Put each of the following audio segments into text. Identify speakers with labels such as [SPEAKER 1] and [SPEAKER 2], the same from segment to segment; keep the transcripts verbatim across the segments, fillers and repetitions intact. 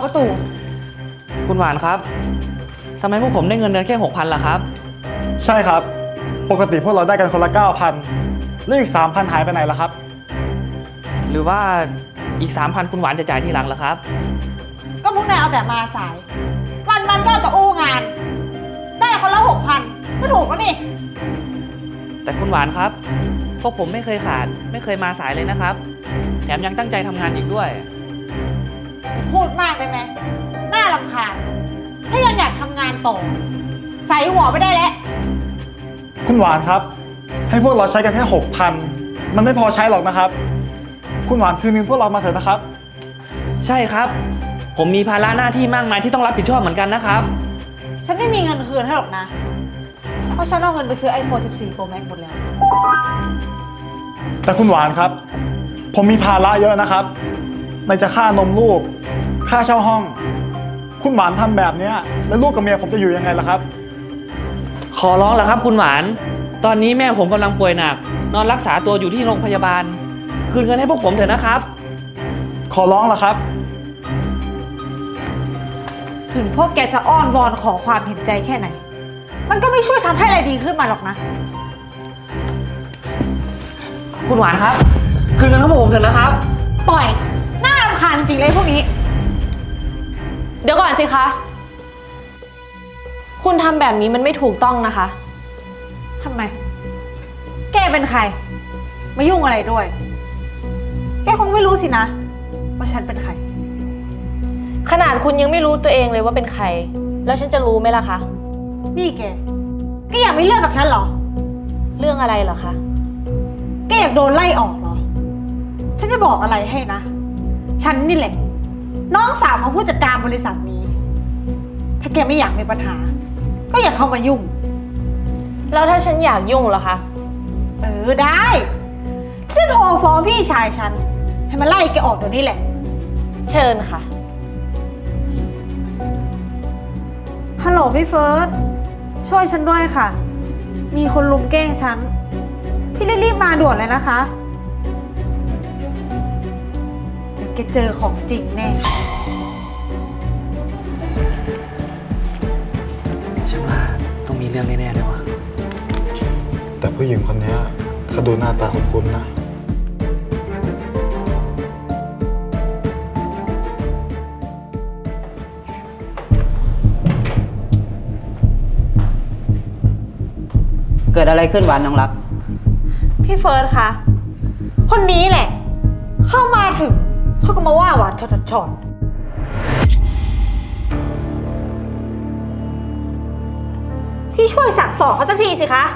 [SPEAKER 1] ประตู
[SPEAKER 2] คุณหวานครับทำไมพวกผมได้เงินเดือนแค่หกพันล่ะครับ
[SPEAKER 3] ใช่ครับปกติพวกเราได้กันคนละเก้าพันแล้วอีกสามพันหายไปไหนล่ะครับ
[SPEAKER 2] หรือว่าอีกสามพันคุณหวานจะจ่ายทีหลังเหรอครับ
[SPEAKER 1] ก็พวกนายเอาแต่มาสาย วันวันก็จะอู้งาน ได้คนละหกพันก็ถูกแล้วนี่
[SPEAKER 2] แต่คุณหวานครับพวกผมไม่เคยขาดไม่เคยมาสายเลยนะครับแถมยังตั้งใจทำงานอีกด้วย
[SPEAKER 1] พูดมากได้ไหมน่ารำคาญถ้ายังอยากทำงานต่อใส่หัวไปได้แล้ว
[SPEAKER 3] คุณหวานครับให้พวกเราใช้กันแค่หกพันมันไม่พอใช้หรอกนะครับคุณหวานคืนเงินพวกเรามาเถอะนะครับ
[SPEAKER 2] ใช่ครับผมมีภาระหน้าที่มากมายที่ต้องรับผิดชอบเหมือนกันนะครับ
[SPEAKER 1] ฉันไม่มีเงินคืนให้หรอกนะเพราะฉันเอาเงินไปซื้อ ไอโฟน สิบสี่ โปรแม็กซ์ หมดแล้ว
[SPEAKER 3] แต่คุณหวานครับผมมีภาระเยอะนะครับในจะค่านมลูกค่าเช่าห้องคุณหวานทำแบบนี้แล้วลูกกับเมียผมจะอยู่ยังไงล่ะครับ
[SPEAKER 2] ขอร้องแล้วครับคุณหวานตอนนี้แม่ผมกำลังป่วยหนักนอนรักษาตัวอยู่ที่โรงพยาบาลคืนเงินให้พวกผมเถอะนะครับ
[SPEAKER 3] ขอร้องแล้วครับ
[SPEAKER 1] ถึงพวกแกจะอ้อนวอนขอความเห็นใจแค่ไหนมันก็ไม่ช่วยทำให้อะไรดีขึ้นมาหรอกนะ
[SPEAKER 2] คุณหวานครับคืนเงินให้พวกผมเถอะนะครับ
[SPEAKER 1] ปล่อยน่ารำคาญจริงๆเลยพวกนี้
[SPEAKER 4] เดี๋ยวก่อนสิคะคุณทำแบบนี้มันไม่ถูกต้องนะคะ
[SPEAKER 1] ทำไมแกเป็นใครมายุ่งอะไรด้วยแกคงไม่รู้สินะว่าฉันเป็นใคร
[SPEAKER 4] ขนาดคุณยังไม่รู้ตัวเองเลยว่าเป็นใครแล้วฉันจะรู้ไหมล่ะคะ
[SPEAKER 1] นี่แกแกอยากมีเรื่องกับฉันเหรอ
[SPEAKER 4] เรื่องอะไรเหรอคะ
[SPEAKER 1] แกอยากโดนไล่ออกเหรอฉันจะบอกอะไรให้นะฉันนี่แหละน้องสาวของผู้จัดการบริษัทนี้ถ้าแกไม่อยากมีปัญหาก็อย่าเข้ามายุ่ง
[SPEAKER 4] แล้วถ้าฉันอยากยุ่งเหรอคะ
[SPEAKER 1] เออได้ฉันจะโทรฟ้องพี่ชายฉันให้มาไล่แกออกเดี๋ยวนี้แหละ
[SPEAKER 4] เชิญค่ะ
[SPEAKER 1] ฮัลโหลพี่เฟิร์สช่วยฉันด้วยค่ะมีคนลุมแกล้งฉันพี่รีบๆมาด่วนเลยนะคะเดี๋ยวแกเจอของจริงแน่
[SPEAKER 2] ฉันว่าต้องมีเรื่องแน่ๆเลยวะ
[SPEAKER 3] แต่ผู้หญิงคนนี้เขาดูหน้าตาคุ้นๆนะ
[SPEAKER 5] เกิดอะไรขึ้นหวานน้องรัก
[SPEAKER 1] พี่เฟิร์สคะคนนี้แหละเข้ามาถึงเขาก็มาว่าหวานช็อตช็อตพี่ช่วยสั่งสอนเขาสักทีสิคะ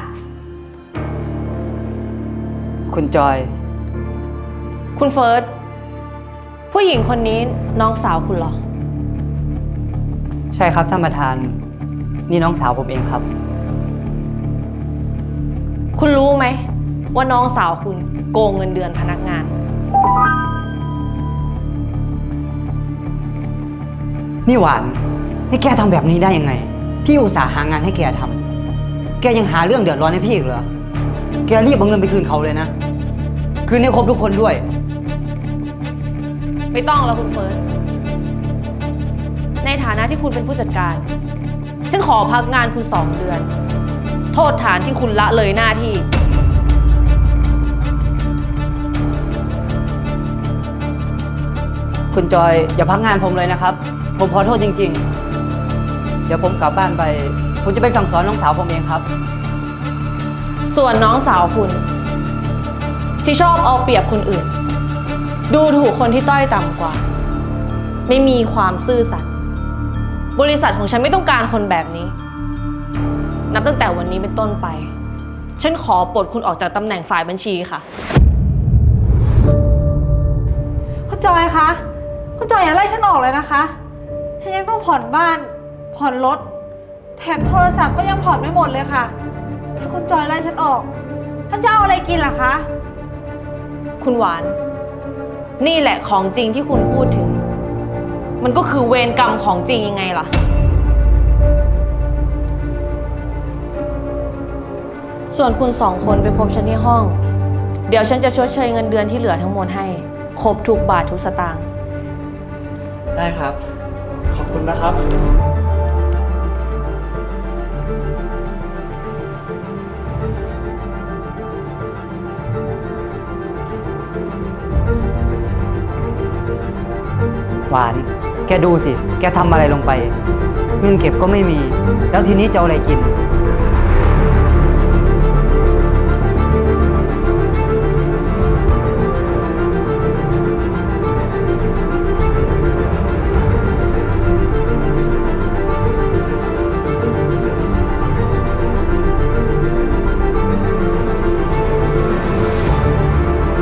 [SPEAKER 5] คุณจอย
[SPEAKER 4] คุณเฟิร์สผู้หญิงคนนี้น้องสาวคุณเหรอ
[SPEAKER 5] ใช่ครับท่านประธานนี่น้องสาวผมเองครับ
[SPEAKER 4] คุณรู้ไหมว่าน้องสาวคุณโกงเงินเดือนพนักงาน
[SPEAKER 5] นี่หวานนี่แกทำแบบนี้ได้ยังไงพี่อุตส่าห์หางานให้แกทำแกยังหาเรื่องเดือดร้อนให้พี่อีกเหรอแกรีบเอาเงินไปคืนเขาเลยนะคืนให้ครบทุกคนด้วย
[SPEAKER 4] ไม่ต้องแล้วคุณเฟิร์สในฐานะที่คุณเป็นผู้จัดการฉันขอพักงานคุณสองเดือนโทษฐานที่คุณละเลยหน้าที่
[SPEAKER 5] คุณจอยอย่าพักงานผมเลยนะครับผมขอโทษจริงๆเดี๋ยวผมกลับบ้านไปผมจะไปสั่งสอนน้องสาวผมเองครับ
[SPEAKER 4] ส่วนน้องสาวคุณที่ชอบเอาเปรียบคนอื่นดูถูกคนที่ต้อยต่ำกว่าไม่มีความซื่อสัตย์บริษัทของฉันไม่ต้องการคนแบบนี้นับตั้งแต่วันนี้เป็นต้นไปฉันขอปลดคุณออกจากตำแหน่งฝ่ายบัญชีค่ะ
[SPEAKER 1] คุณจอยคะคุณจอยอย่าไล่ฉันออกเลยนะคะฉันยังต้องผ่อนบ้านผ่อนรถแถมโทรศัพท์ก็ยังผ่อนไม่หมดเลยค่ะถ้าคุณจอยไล่ฉันออกฉันจะเอาอะไรกินล่ะคะ
[SPEAKER 4] คุณหวานนี่แหละของจริงที่คุณพูดถึงมันก็คือเวรกรรมของจริงยังไงล่ะส่วนคุณสองคนไปพบฉันที่ห้องเดี๋ยวฉันจะชดเชยเงินเดือนที่เหลือทั้งหมดให้ครบทุกบาททุกสตางค์
[SPEAKER 2] ได้ครับ
[SPEAKER 3] คุณนะครับ
[SPEAKER 5] หวาน แกดูสิ แกทำอะไรลงไป เงินเก็บก็ไม่มี แล้วทีนี้จะเอาอะไรกิน